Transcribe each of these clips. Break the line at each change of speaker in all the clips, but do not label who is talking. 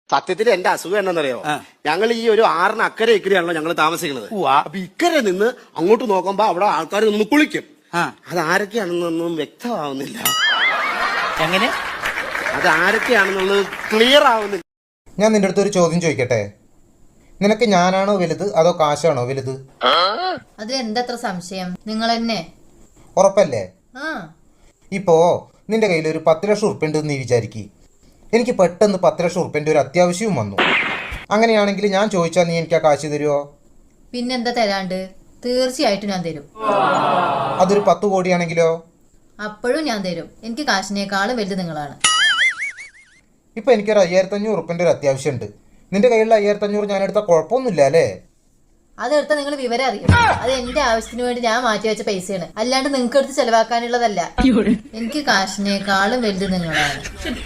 സത്യത്തിൽ എന്റെ അസുഖം എന്താണെന്നറിയോ? ഞങ്ങൾ ഈ ഒരു 6 അക്കരെ ഇക്കരെയാണല്ലോ ഞങ്ങൾ താമസിക്കുന്നത്. അപ്പൊ ഇക്കരെ നിന്ന് അങ്ങോട്ട് നോക്കുമ്പോ അവിടെ ആൾക്കാർ നിന്ന് കുളിക്കും. അത് ആരൊക്കെയാണെന്നൊന്നും വ്യക്തമാവുന്നില്ല.
എങ്ങനെ?
അത് ആരൊക്കെയാണെന്നുള്ളത് ക്ലിയർ ആവുന്നില്ല.
ഞാൻ നിന്റെ അടുത്ത് ഒരു ചോദ്യം ചോദിക്കട്ടെ? നിനക്ക് ഞാനാണോ വലുത് അതോ കാശാണോ വലുത്?
അതിൽ എന്താ സംശയം? നിങ്ങൾ തന്നെ.
ഉറപ്പല്ലേ? ഇപ്പോ നിന്റെ കയ്യിൽ ഒരു 10 ലക്ഷം ഉറുപ്പ്യ ഉണ്ടെന്ന് നീ വിചാരിക്കും. എനിക്ക് പെട്ടെന്ന് 10 ലക്ഷം ഉറുപ്പ്യന്റെ ഒരു അത്യാവശ്യവും വന്നു. അങ്ങനെയാണെങ്കിൽ ഞാൻ ചോദിച്ചാൽ നീ എനിക്ക് ആ കാശ് തരുമോ?
പിന്നെന്താ തരാണ്ട്? തീർച്ചയായിട്ടും ഞാൻ തരും.
അതൊരു 10 കോടിയാണെങ്കിലോ?
അപ്പോഴും ഞാൻ തരും. എനിക്ക് കാശിനേക്കാളും വലുത് നിങ്ങളാണ്.
ഇപ്പൊ എനിക്കൊരു 5500 ഉറുപ്പ്യന്റെ ഒരു അത്യാവശ്യം ഉണ്ട്. നിന്റെ കയ്യിലുള്ള 5500 ഞാൻ എടുത്താൽ കുഴപ്പമൊന്നുമില്ല അല്ലേ?
അതെടുത്താൽ നിങ്ങൾ വിവരം അറിയും. അത് എന്റെ ആവശ്യത്തിന് വേണ്ടി ഞാൻ മാറ്റി വെച്ച പൈസയാണ്, അല്ലാണ്ട് നിങ്ങൾക്ക് എടുത്ത് ചെലവാക്കാനുള്ളതല്ല. എനിക്ക് കാശിനേക്കാളും വലുത് നിങ്ങളാണ്.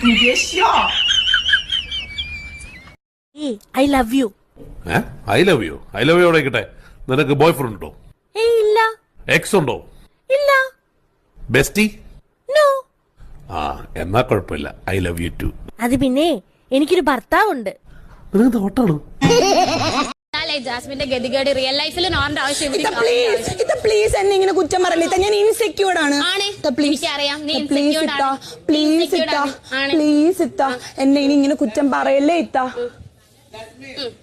I love you.
I love you ആയിക്കട്ടെ. നിനക്ക് ബോയ് ഫ്രണ്ട് ഉണ്ടോ?
ഇല്ല.
എക്സ് ഉണ്ടോ?
ഇല്ല.
ബെസ്റ്റി?
നോ.
എന്നാ കുഴപ്പമില്ല. I love you too.
അത് പിന്നെ എനിക്കൊരു ഭർത്താവുണ്ട്.
നിനക്ക് തോട്ടാണ്.
ജാസ്മിന്റെ ഗതികേട് റിയൽ ലൈഫിൽ നോണ്ട ആവശ്യം.
പ്ലീസ് എന്നെ ഇങ്ങനെ കുറ്റം പറയില്ല. ഞാൻ ഇൻസെക്യൂർഡ് ആണ്.
എനിക്കറിയാം നീ
പ്ലീസ് ഇത്ത എന്നെ ഇനി ഇങ്ങനെ കുറ്റം പറയല്ലേ ഇത്ത.